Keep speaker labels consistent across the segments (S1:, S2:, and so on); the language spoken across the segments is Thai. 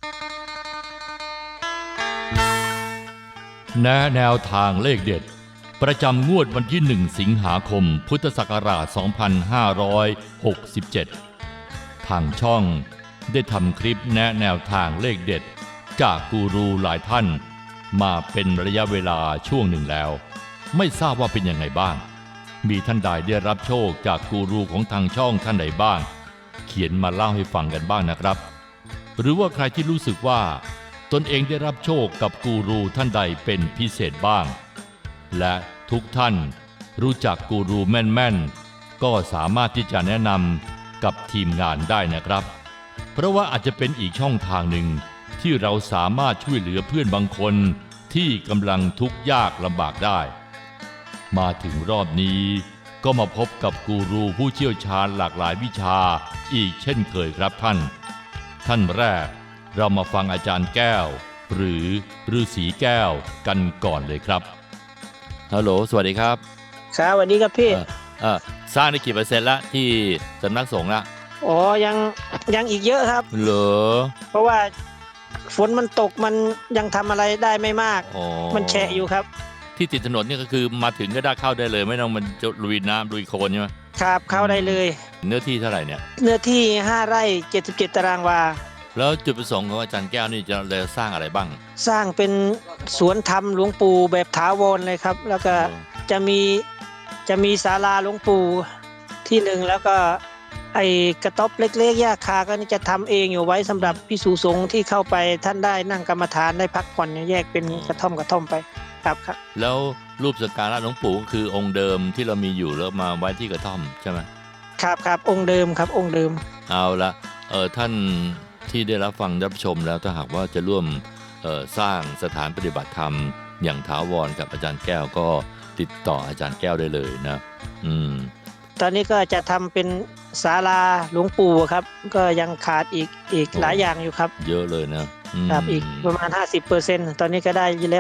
S1: แนวทางเลขเด็ดประจำงวดวันที่1สิงหาคมพุทธศักราช2567ทางช่องได้ทำคลิปแนวทางเลขเด็ดจากกูรูหลายท่านมาเป็นระยะเวลาช่วงหนึ่งแล้วไม่ทราบว่าเป็นยังไงบ้างมีท่านใดได้รับโชคจากกูรูของทางช่องท่านใดบ้างเขียนมาเล่าให้ฟังกันบ้างนะครับหรือว่าใครที่รู้สึกว่าตนเองได้รับโชคกับกูรูท่านใดเป็นพิเศษบ้างและทุกท่านรู้จักกูรูแม่นๆก็สามารถที่จะแนะนำกับทีมงานได้นะครับเพราะว่าอาจจะเป็นอีกช่องทางหนึ่งที่เราสามารถช่วยเหลือเพื่อนบางคนที่กำลังทุกข์ยากลำบากได้มาถึงรอบนี้ก็มาพบกับกูรูผู้เชี่ยวชาญหลากหลายวิชาอีกเช่นเคยครับท่านแรกเรามาฟังอาจารย์แก้วหรือฤาษีแก้วกันก่อนเลยครับฮัลโหลสวัสดีครับ
S2: ครับสวัสดีครับพี่
S1: สร้างได้กี่เปอร์เซ็นต์ละที่สำนักสงฆ์ละ
S2: อ๋อยังอีกเยอะครับ
S1: เหรอ
S2: เพราะว่าฝนมันตกมันยังทำอะไรได้ไม่มากมันแฉะอยู่ครับ
S1: ที่ติดถนนนี่ก็คือมาถึงก็ได้เข้าได้เลยไม่ต้องมันจะลุยน้ำลุยโคลนใช่ไหม
S2: ครับเข้าได้เลย
S1: เนื้อที่เท่าไหร่เนี่ย
S2: เนื้อที่5 ไร่ 77 ตารางวา
S1: แล้วจุดประสงค์ของอาจารย์แก้วนี่จะสร้างอะไรบ้าง
S2: สร้างเป็นสวนธรรมหลวงปู่แบบถาวรเลยครับแล้วก็จะมีศาลาหลวงปู่ที่หนึ่งแล้วก็ไอ้กระต๊อบเล็กๆหญ้าคาก็นี่จะทำเองอยู่ไว้สำหรับภิกษุสงฆ์ที่เข้าไปท่านได้นั่งกรรมฐานได้พักผ่อนแยกเป็นกระท่อมไปครับ
S1: แล้วรูปสักการะหลวงปู่ก็คือองค์เดิมที่เรามีอยู่แล้วมาไว้ที่กระท่อมใช่ไหม
S2: ครับองค์เดิมครับองค์เดิม
S1: เอาละท่านที่ได้รับฟังรับชมแล้วถ้าหากว่าจะร่วมสร้างสถานปฏิบัติธรรมอย่างถาวรกับอาจารย์แก้วก็ติดต่ออาจารย์แก้วได้เลยนะ
S2: ตอนนี้ก็จะทำเป็นศาลาหลวงปู่ครับก็ยังขาดอีกหลายอย่างอยู่ครับ
S1: เยอะเลยนะครับ
S2: อีกประมาณ 50% ตอนนี้ก็ได้อยู่แล้ว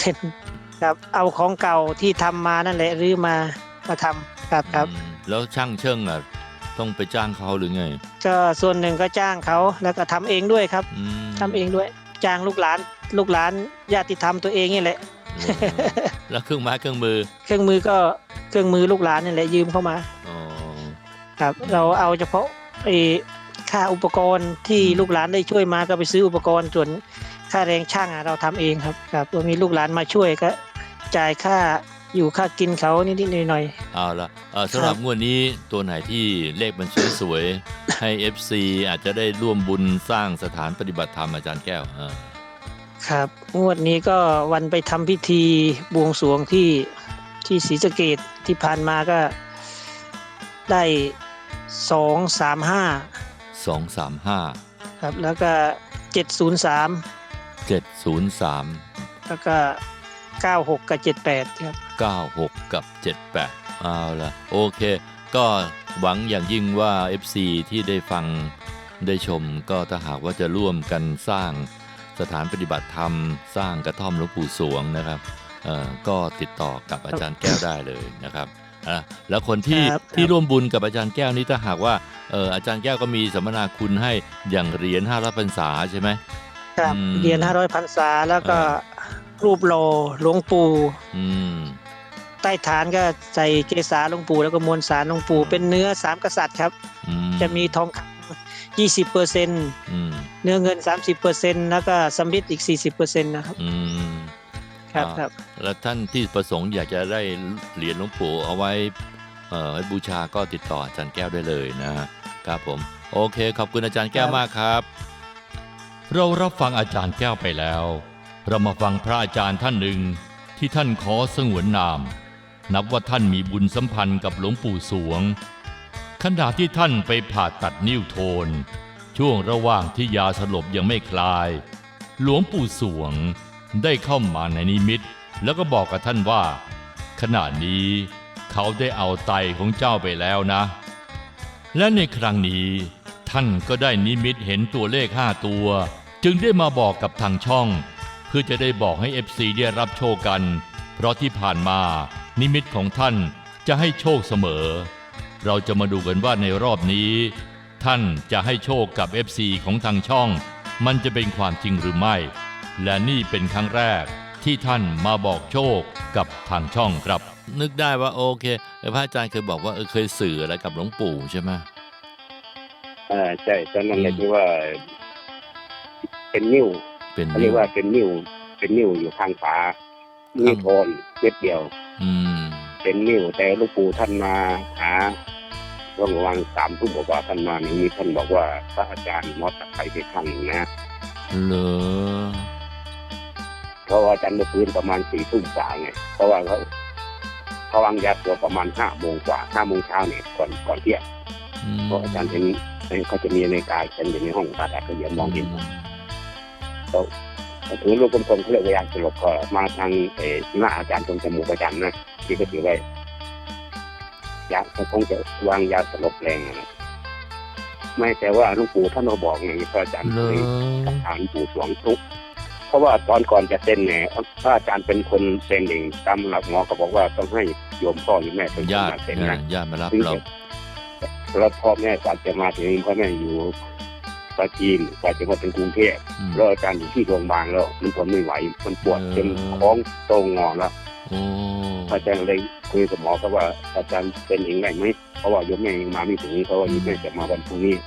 S2: 50% ครับเอาของเก่าที่ทำมานั่นแหละรื้อมาทำครับ
S1: แล้วช่างเชิงอ่ะต้องไปจ้างเขาหรือไง
S2: ก็ส่วนหนึ่งก็จ้างเขาแล้วก็ทำเองด้วยครับทำเองด้วยจ้างลูกหลานญาติธรรมตัวเองนี่แหละ
S1: แล้วเครื่องมือ
S2: ก็เครื่องมือลูกหลานนี่แหละยืมเข้ามาครับเราเอาเฉพาะค่าอุปกรณ์ที่ลูกหลานได้ช่วยมาก็ไปซื้ออุปกรณ์ส่วนค่าแรงช่างเราทำเองครับมีลูกหลานมาช่วยก็จ่ายค่าอยู่ค่ากินเขานิดๆหน่อย
S1: ๆเอาละสำหรับงวดนี้ตัวไหนที่เลขมันสวยๆให้ FC อาจจะได้ร่วมบุญสร้างสถานปฏิบัติธรรมอาจารย์แก้ว
S2: ครับงวดนี้ก็วันไปทำพิธีบวงสรวงที่ศรีสะเกษที่ผ่านมาก็ได้235ครับแล้วก็703แล้วก็96กับ78ครับ
S1: 96กับ78เอาละโอเคก็หวังอย่างยิ่งว่า FC ที่ได้ฟังได้ชมก็ถ้าหากว่าจะร่วมกันสร้างสถานปฏิบัติธรรมสร้างกระท่อมหลวงปู่สวงนะครับก็ติดต่อกับอาจารย์แก้วได้เลยนะครับแล้วคนที่ร่วมบุญกับอาจารย์แก้วนี้ถ้าหากว่าอาจารย์แก้วก็มีสัมมนาคุณให้อย่างเหรียญ500 พรรษาใช่ไหม
S2: ครับเหรียญ500 พรรษาแล้วก็รูปหล่อหลวงปู่ใต้ฐานก็ใส่เกศาหลวงปู่แล้วก็มวลสารหลวงปู่เป็นเนื้อ3 กษัตริย์ครับจะมีทองคำ 20% เนื้อเงิน 30% แล้วก็สำริดอีก 40% นะครับครับ
S1: แล้วท่านที่ประสงค์อยากจะได้เหรียญหลวงปู่เอาไว้ให้บูชาก็ติดต่ออาจารย์แก้วได้เลยนะครับผมโอเคขอบคุณอาจารย์แก้วมากครับเรารับฟังอาจารย์แก้วไปแล้วเรามาฟังพระอาจารย์ท่านหนึ่งที่ท่านขอสงวนนามนับว่าท่านมีบุญสัมพันธ์กับหลวงปู่สวงขณะที่ท่านไปผ่าตัดนิ้วโทนช่วงระหว่างที่ยาสลบยังไม่คลายหลวงปู่สวงได้เข้ามาในนิมิตแล้วก็บอกกับท่านว่าขณะนี้เขาได้เอาไตของเจ้าไปแล้วนะและในครั้งนี้ท่านก็ได้นิมิตเห็นตัวเลข5 ตัวจึงได้มาบอกกับทางช่องเพื่อจะได้บอกให้ FC ได้รับโชคกันเพราะที่ผ่านมานิมิตของท่านจะให้โชคเสมอเราจะมาดูกันว่าในรอบนี้ท่านจะให้โชคกับ FC ของทางช่องมันจะเป็นความจริงหรือไม่และนี่เป็นครั้งแรกที่ท่านมาบอกโชคกับทางช่องครับนึกได้ว่าโอเคพระอาจารย์เคยบอกว่าเคยสื่ออะไรกับหลวงปู่ใช่ไหม
S3: ใช่ตอนนั้นเลยที่ว่าเป็นนิ้วเรียกว่าเป็นนิ้วอยู่ข้างฝานิ้วโทนเม็ดเดียวเป็นนิ้วแต่หลวงปู่ท่านมาหาระหว่าง3 ทุ่มบอกว่าท่านมามีท่านบอกว่าพระอาจารย์มอดไปไปข้างหนึ่งนะ
S1: เหรอ
S3: เพราะว่าอาจารย์มาฟื้นประมาณ4 ทุ่มกว่าไงเพราะว่าเขาวางยาตัวประมาณ5 โมงกว่า5 โมงเช้าเนี่ยก่อนเที่ยงเพราะอาจารย์เห็นเขาจะมีในกายฉันอยู่ในห้องผ่าตัดเขาเห็นมองเห็นเขาถือลูกกลมๆเขาเรียกว่ายาสลบก็มาทางหน้าอาจารย์ตรงจมูกอาจารย์นะที่ก็ถือไว้ยาเขาคงจะวางยาสลบแรงนะไม่แต่ว่าหลวงปู่ท่านมาบอกไงพระอาจารย์เคยถามหลวงปู่สวงทุกเพราะว่าตอนก่อนจะเซ็นเนี่ยพระอาจารย์เป็นคนเซ็นเองตามหลักหมอก็บอกว่าต้องให้โยมพ่อหรือแม่เป็นคนมาเซ็นนะ
S1: ญาติมารับเรา
S3: แล้วพ่อแม่กว่าจะมาถึงพ่อแม่อยู่ปราจีนกว่าจะมาถึงกรุงเทพแล้วอาจารย์อยู่ที่โรงพยาบาลแล้วมันทนไม่ไหวมันปวดจนท้องโตงอแล้วอาจารย์เลยคุยกับหมอก็ว่าอาจารย์เป็นเองได้ไหมเพราะว่าโยมแม่ยังมาไม่ถึงเพราะว่าโยมแม่จะมาวันพรุ่งนี้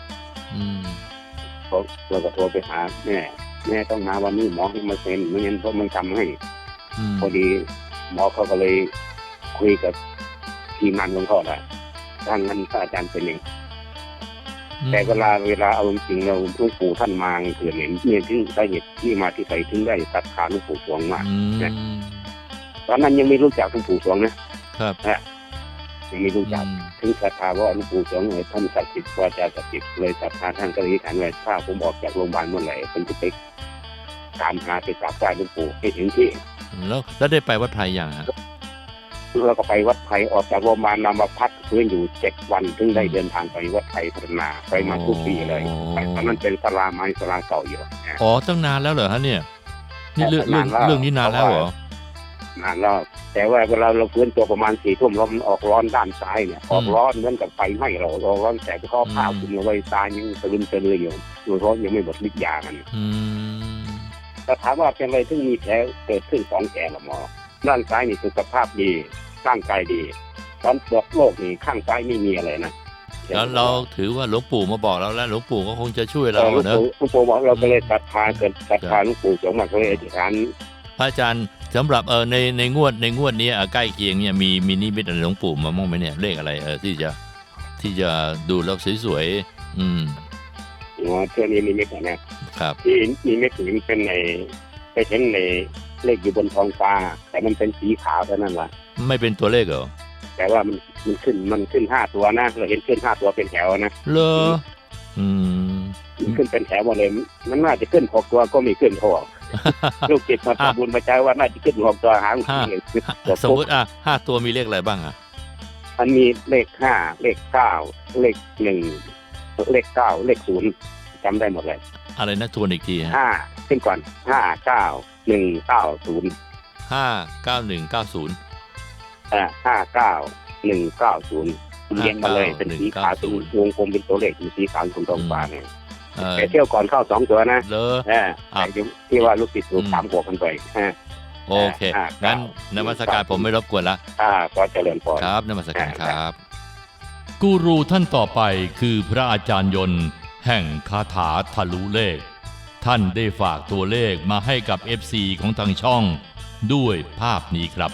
S3: เราก็โทรไปหาแม่ต้องมาวันนี้หมอให้มาเซ็นไม่งั้นเพราะมันทำให้พอดีหมอเขาก็เลยคุยกับทีมงานของเขาได้ทางนั้นอาจารย์เป็นเองแต่เวลาเอาจริงเราหลวงปู่ท่านมาเกิดเห็นเนี่ยที่สาเหตุที่มาที่ไปถึงได้ศรัทธาหลวงปู่สวงมากนะตอนนั้นยังไม่รู้จักหลวงปู่สวงนะครับยังไม่รู้จักถึงศรัทธาว่าหลวงปู่สวงท่านศักดิ์สิทธิ์วาจาศักดิ์สิทธิ์เลยศรัทธาท่านก็เลยถามว่าถ้าผมออกจากโรงพยาบาลเมื่อไหร่ผมจะไปตามหาไปกราบไหว้หลวงปู่ให้ถึงที่
S1: แล้วได้ไปวัดไผ่ยังฮะ
S3: เราก็ไปวัดไผ่ออกจากโรงพยาบาลนำมาพักฟื้นอยู่7 วันถึงได้เดินทางไปวัดไผ่พัฒนาไปมาทุกปีเลยตอนนั้นเป็นศาลาไม้ศาลาเก่าอยู่
S1: ตั้งนานแล้วเหรอฮะเนี่ยนี่เรื่องนี้นานแล้วเหร
S3: อนานแล้วแต่ว่าเวลาเราฟื้นตัวประมาณ4 ทุ่มเราออกร้อนด้านซ้ายเนี่ยออกร้อนเหมือนกับไฟไหม้เราร้อนแต่ข้อผ้าคุมเอาไว้ตายังสลึมสลืออยู่ร้อนยังไม่หมดฤทธิ์ยามันแต่ถามว่าเป็นอะไรที่มีแผลเกิดขึ้น2 แผลละหมอด้านซ้ายนี่สุขภาพดีร่างกายดีตอนบอกโรคนี่ข้างซ้ายไม่มีอะไรนะ
S1: แล้วเราถือว่าหลวงปู่มาบอกเราแล้วหลวงปู่ก็คงจะช่วยเราเนอะ
S3: หลวงปู่บอกเราก็เลยศรัทธาเกิดศรัทธาหลวงปู่สวงมาก็เลยอธิษฐาน
S1: พระอาจารย์สำหรับในงวดนี้ใกล้เคียงเนี่ยมีนิมิตอะไรหลวงปู่มาบ้างไหมเนี่ยเลขอะไรที่จะดูแล้วสวย
S3: เชื่อนี้นิมิตนะครับที่นิมิตถึงเป็นในไปเห็นในเลขอยู่บนท้องฟ้าแต่มันเป็นสีขาวเท่านั้นล่ะ
S1: ไม่เป็นตัวเลขเหรอ
S3: แต่ว่ามันขึ้น5 ตัวนะเราเห็นขึ้น5 ตัวเป็นแถวนะ
S1: เหรอ
S3: ขึ้นเป็นแถวหมดเลยมันน่าจะขึ้น6 ตัวก็มีขึ้นพอลูกจิตมาทำบุญมาใจว่าน่าจะขึ้น6 ตัวหาง
S1: สมมติ5 ตัวมีเลขอะไรบ้าง
S3: มันมีเลข5เลข9เลข1เลข9เลข0จำได้หมดเลย
S1: อะไรนะทวนอีกที
S3: 5ขึ้นก่อน59190
S1: 59190
S3: 59190เรียงมาเลยเป็นสีขาววงกลมเป็นตัวเลขสีขาวตรงฟ้าเนี่ยแต่เที่ยวก่อนเข้า2 ตัวนะที่ว่าลูกศิษย์ถูก3 หัวกันไป
S1: โอเคงั้นนมัสการผมไม่รบกวนละ
S3: ก็เจริญพร
S1: ครับนมัสการครับกูรูท่านต่อไปคือพระอาจารย์ยนต์แห่งคาถาทะลุเลขท่านได้ฝากตัวเลขมาให้กับ FC ของทางช่องด้วยภาพนี้ครับ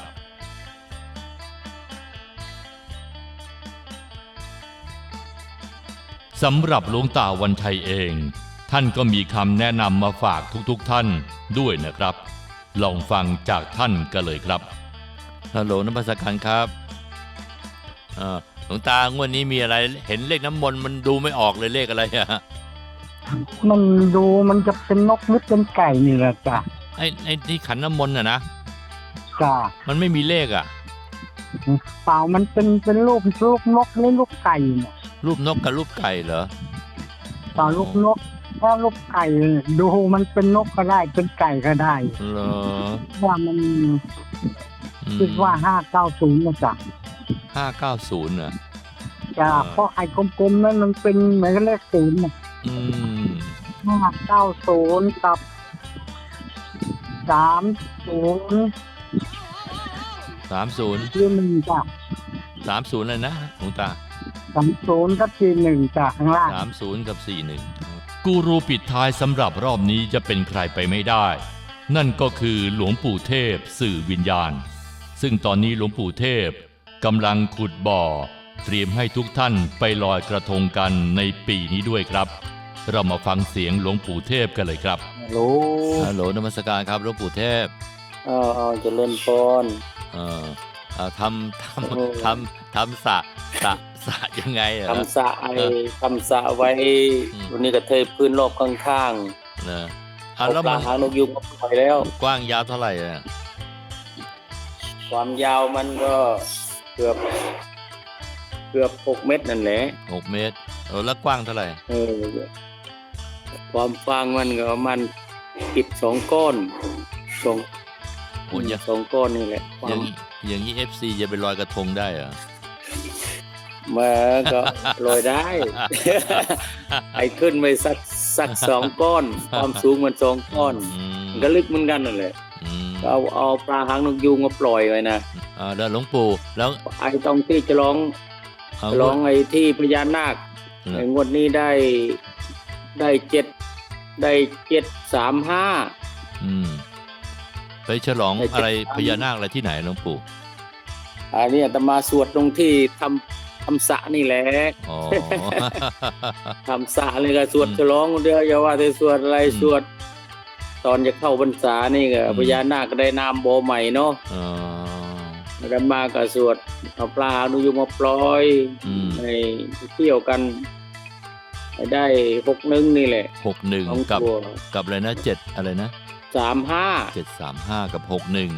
S1: สำหรับหลวงตาวันชัยเองท่านก็มีคำแนะนำมาฝากทุกท่านด้วยนะครับลองฟังจากท่านกันเลยครับฮัลโหลนมัสการครับหลวงตางวดนี้มีอะไรเห็นเลขน้ำมนต์มันดูไม่ออกเลยเลขอะไร
S4: มันดูมันจะเป็นนกหรือเป็นไก่นี่แหละจ้ะ
S1: ไอ้ที่ขันน้ำมนต์นะ
S4: จ้ะ
S1: มันไม่มีเลข
S4: เปล่ามันเป็นรูปนกหรือรูปไก่เนี่ย
S1: รูปนกกับรูปไก่เหรอ
S4: เปล่ารูปนกถ้ารูปไก่ดูมันเป็นนกก็ได้เป็นไก่ก็ได้
S1: เหรอ
S4: ว่ามันคิดว่า590นะจ๊ะ
S1: 590น่ะ
S4: จ้ะเพราะไอ้กลมๆนั้นมันเป็นเหมือนกับเลข0น่ะ 590กับ30
S1: 30
S4: ที่1จ้ะ
S1: 30เลยนะหลวงตา
S4: 30กับที่1จ้ะข้างล่าง
S1: 30 กับ 41 กูรูปิดท้ายสำหรับรอบนี้จะเป็นใครไปไม่ได้ นั่นก็คือหลวงปู่เทพสื่อวิญญาณ ซึ่งตอนนี้หลวงปู่เทพกำลังขุดบ่อเตรียมให้ทุกท่านไปลอยกระทงกันในปีนี้ด้วยครับ เรามาฟังเสียงหลวงปู่เทพกันเลยครับ
S5: ฮัลโหล
S1: ฮัลโหลนมัสการครับหลวงปู่เทพ
S5: เอาเจริญพร
S1: ทำสระยังไงอะ
S5: ทำสระไว้วันนี้ก็เทพื้นรอบข้าง
S1: นะ
S5: ๆเอา
S1: แล้ว
S5: ป
S1: มั
S5: ลาน หางนกยูงมาปล่อยแล้ว
S1: กว้างยาวเท่าไหร่อะ
S5: ความยาวมันก็เกือบ6 เมตรนั่นแหละ
S1: 6 เมตรแล้วกว้างเท่าไหร่
S5: ความกว้างมันก็ประมันอิฐ2 ก้อนสอง
S1: โอ้ย
S5: 2 ก้อนนี่แหละควา
S1: อย่าง
S5: ม
S1: อย่างนี้ FC จะไปลอยกระทงได้เหรอ
S5: มาก็ลอยได้ ไอ้ขึ้นไปสัก2 ก้อน ความสูงมัน2 ก้อน มันก็ลึกเหมือนกันนั่นแหละ เอาปลาหางนกยูงมาปล่อยไว้นะ
S1: แล้วหลวงปู่แล้ว
S5: ไอ้ตรงที่จะร้องไอ้ที่พญานาคไอ้งวดนี้ได้735
S1: ไปฉลองอะไรพญานาคอะไรที่ไหนหลวงปู่
S5: อันนี้อาตมาสวดตรงที่ทำสระนี่แหละ
S1: อ๋อ
S5: ทำสระเลยก็สวดฉลองเดียวอย่าว่าแต่สวดอะไรสวด ตอนจะเข้าพรรษานี่ก็พญานาคก็ได้นามโบใหม่เนาะอาตมาก็สวดเอาปลาหางนกยูงมาปล่อยให้เที่ยวกันได้61นี่แหละ
S1: 61กับอะไรนะ7อะไรนะ735กับ61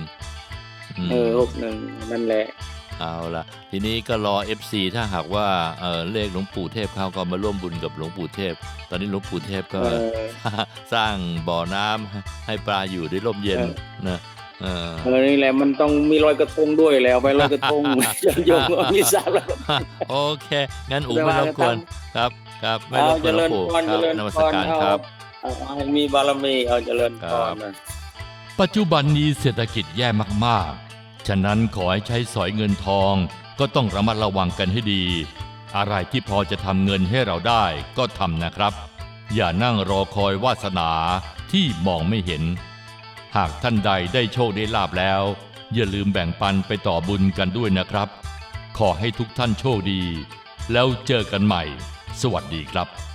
S5: 61นั่นแหละ
S1: เอาล่ะทีนี้ก็รอ FC ถ้าหากว่าเลขหลวงปู่เทพเขาก็มาร่วมบุญกับหลวงปู่เทพตอนนี้หลวงปู่เทพก็สร้างบ่อน้ำให้ปลาอยู่ได้ร่มเย็นนะ
S5: นี่แหละมันต้องมีลอยกระทงด้วยแล้วไปลอยกระทงโยมมีสาระ
S1: โอเคงั้นอู๋ไม่รบกวนครับไม่รบกวนหลวงปู่ครับนมัสการครับ
S5: ให้มีบารมีเอาเจริญพรนะ
S1: ปัจจุบันนี้เศรษฐกิจแย่มากๆฉะนั้นขอให้ใช้สอยเงินทองก็ต้องระมัดระวังกันให้ดีอะไรที่พอจะทำเงินให้เราได้ก็ทำนะครับอย่านั่งรอคอยวาสนาที่มองไม่เห็นหากท่านใดได้โชคได้ลาภแล้วอย่าลืมแบ่งปันไปต่อบุญกันด้วยนะครับขอให้ทุกท่านโชคดีแล้วเจอกันใหม่สวัสดีครับ